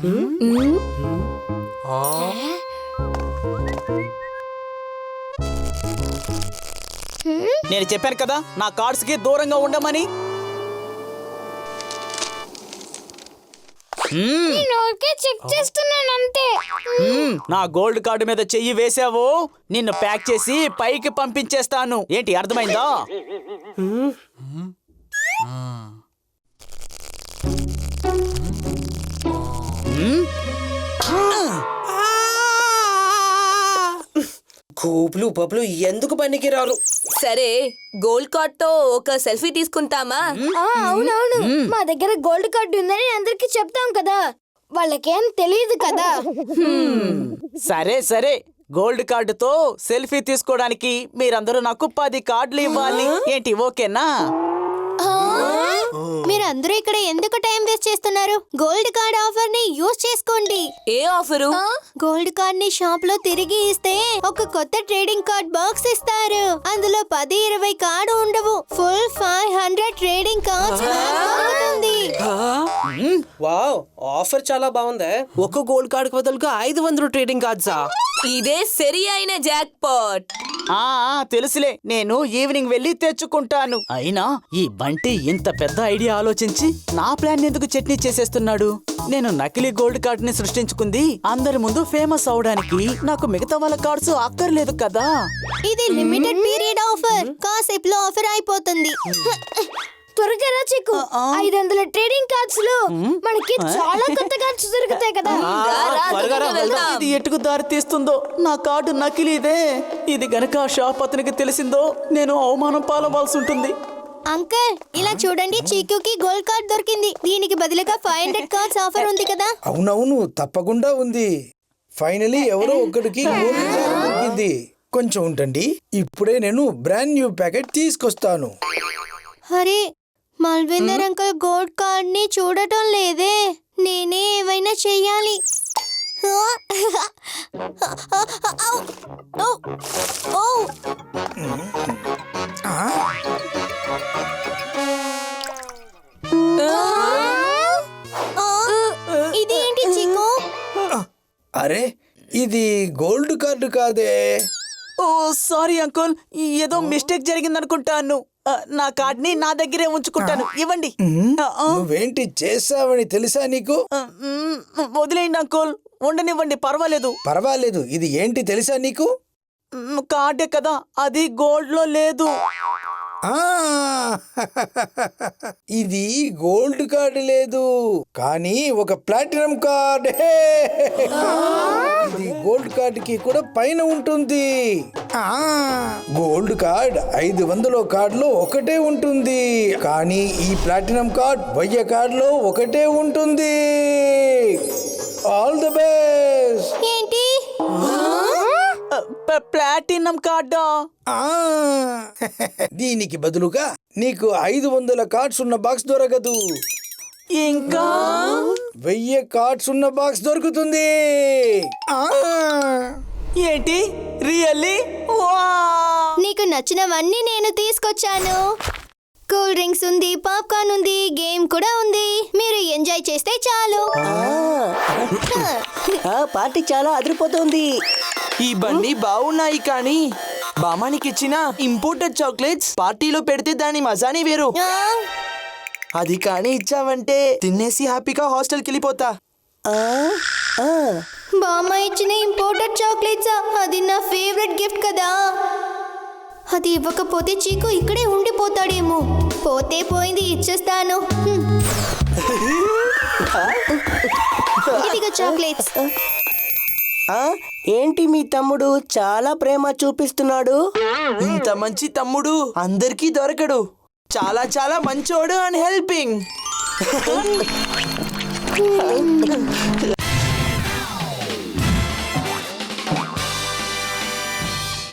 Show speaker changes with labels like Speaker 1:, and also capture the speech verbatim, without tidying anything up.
Speaker 1: నేను చెప్పాను కదా నా కార్డ్స్ కి దూరంగా ఉండమని.
Speaker 2: చెక్ చేస్తున్నాను అంతే.
Speaker 1: నా గోల్డ్ కార్డు మీద చెయ్యి వేసావు, నిన్ను ప్యాక్ చేసి పైకి పంపించేస్తాను. ఏంటి అర్థమైందా?
Speaker 3: కూపులు పప్పులు ఎందుకు పనికి రారు?
Speaker 4: సరే, గోల్డ్ కార్డ్ తో ఒక సెల్ఫీ తీసుకుంటామా?
Speaker 2: అవునవును, మా దగ్గర గోల్డ్ కార్డు ఉందని అందరికి చెప్తాం కదా, వాళ్ళకేం తెలియదు కదా.
Speaker 1: సరే సరే, గోల్డ్ కార్డుతో సెల్ఫీ తీసుకోవడానికి మీరందరూ నాకు పది కార్డులు ఇవ్వాలి. ఏంటి ఓకేనా?
Speaker 2: మీరు అందరూ ఇక్కడ ఎందుకు టైం వేస్ట్ చేస్తున్నారు? గోల్డ్ కార్డ్ ఆఫర్ ని యూజ్ చేసుకోండి.
Speaker 4: ఏ ఆఫరు?
Speaker 2: గోల్డ్ కార్డ్ ని షాప్ లో తిరిగి ఇస్తే ఒక కొత్త ట్రేడింగ్ కార్డ్ బాక్స్ ఇస్తారు. అందులో పది ఇరవై కార్డు ఉండవు, full five hundred trading cards దొరుకుతుంది.
Speaker 3: వావ్, ఆఫర్ చాలా బాగుంది. ఒక్క గోల్డ్ కార్డ్ బదులుగా ఐదు వందలు ట్రేడింగ్ కార్డ్సా?
Speaker 4: ఇదే సరి అయిన జాక్ పాట్.
Speaker 1: ఆ తెలుసులే, నేను ఈవినింగ్ వెళ్ళి తెచ్చుకుంటాను. అయినా ఈ బంటి ఇంత పెద్ద ఐడియా ఆలోచించి నా ప్లాన్ ఎందుకు చట్నీ చేసేస్తున్నాడు? నేను నకిలీ గోల్డ్ కార్డ్ ని సృష్టించుకుంది అందరి ముందు ఫేమస్ అవడానికి. నాకు మిగతా వాళ్ళ కార్డ్స్ అక్కర్లేదు కదా.
Speaker 2: ఇది లిమిటెడ్ పీరియడ్ ఆఫర్, కాసేపులో ఆఫర్ అయిపోతుంది. త్వరగా రా చిక్కు, ఐదు వందల ట్రేడింగ్ కార్డ్స్ లో మనకి చాలా కొత్త కార్డ్స్ దొరుకుతాయి కదా.
Speaker 1: ఇది ఎటుకు దారి తీస్తుందో? నా కార్డు నకిలీదే. ఇది గనక షాప్ అతనికి తెలిసిందో నేను అవమానం పాలవాల్సి ఉంటుంది.
Speaker 2: అంకల్, ఇలా చూడండి, చీకుకి గోల్డ్ కార్డ్ దొరికింది. దీనికి బదులుగా ఫైవ్ హండ్రెడ్ కార్డ్స్ ఆఫర్ ఉంది కదా.
Speaker 5: అవునవును, తప్పకుండా ఉంది. ఫైనలీ ఎవరో ఒకరికి గోల్డ్ కార్డ్ దొరికింది. కొంచెం ఉండండి, ఇప్పుడే నేను బ్రాండ్ న్యూ ప్యాకెట్ తీసుకొస్తాను.
Speaker 2: అరే, మల్విందర్ అంకల్ గోల్డ్ కార్డ్ ని చూడటం లేదే. నేనే ఏమైనా చెయ్యాలి. ఇదేంటి చిక్కు?
Speaker 5: అరే, ఇది గోల్డ్ కార్డు కాదే.
Speaker 1: ఓ సారీ అంకుల్, ఏదో మిస్టేక్ జరిగిందనుకుంటాను. నా కార్డ్ ని నా దగ్గరే ఉంచుకుంటాను, ఇవ్వండి.
Speaker 5: నువ్వేంటి చేసావని తెలుసా నీకు?
Speaker 1: వదిలేయండి అంకుల్, ఉండనివ్వండి, పర్వాలేదు.
Speaker 5: పర్వాలేదు, ఇది ఏంటి తెలుసా నీకు?
Speaker 1: కార్డే కదా, అది గోల్డ్ లో లేదు.
Speaker 5: ఇది గోల్డ్ కార్డు లేదు, కానీ ఒక ప్లాటినం కార్డ్. ఇది గోల్డ్ కార్డ్ కి కూడా పైన ఉంటుంది. గోల్డ్ కార్డ్ ఐదు వందల కార్డులో ఒకటే ఉంటుంది, కానీ ఈ ప్లాటినం కార్డ్ వెయ్యి కార్డులో ఒకటే ఉంటుంది. All the best.
Speaker 2: ఏంటి?
Speaker 1: ప్లాటినం కార్డా?
Speaker 5: దీనికి బదులుగా నీకు ఐదు వందల కార్డ్స్ ఉన్న బాక్స్ దొరకదు,
Speaker 1: ఇంకా
Speaker 5: వెయ్యి కార్డ్స్ ఉన్న బాక్స్ దొరుకుతుంది.
Speaker 1: ఏంటి, రియల్లీ?
Speaker 2: నీకు నచ్చినవన్నీ నేను తీసుకొచ్చాను. కూల్ డ్రింక్స్ ఉంది, పాప్కార్న్ ఉంది, గేమ్ కూడా ఉంది. మీరు ఎంజాయ్ చేస్తే చాలు.
Speaker 6: పార్టీ చాలా అదిరిపోతుంది.
Speaker 3: ఈ బండి బాగున్నాయి, కానీ బామానికి ఇచ్చిన ఇంపోర్టెడ్ చాక్లెట్స్ పార్టీలో పెడితే దాని మజానే వేరు. అది కానీ ఇచ్చావంటే తినేసి హ్యాపీగా హాస్టల్కి వెళ్ళిపోతా.
Speaker 2: బామ్మ ఇచ్చిన ఇంపోర్టెడ్ చాక్లెట్స్, అది నా ఫేవరెట్ గిఫ్ట్ కదా. అది ఇవ్వకపోతే చీకు ఇక్కడే ఉండిపోతాడేమో. పోతే పోయింది, ఇచ్చేస్తాను. ఇదిగో చాక్లెట్స్.
Speaker 6: ఏంటి మీ తమ్ముడు చాలా ప్రేమ చూపిస్తున్నాడు?
Speaker 3: ఇంత మంచి తమ్ముడు అందరికీ దొరకడు. చాలా చాలా మంచోడు అండ్ హెల్పింగ్.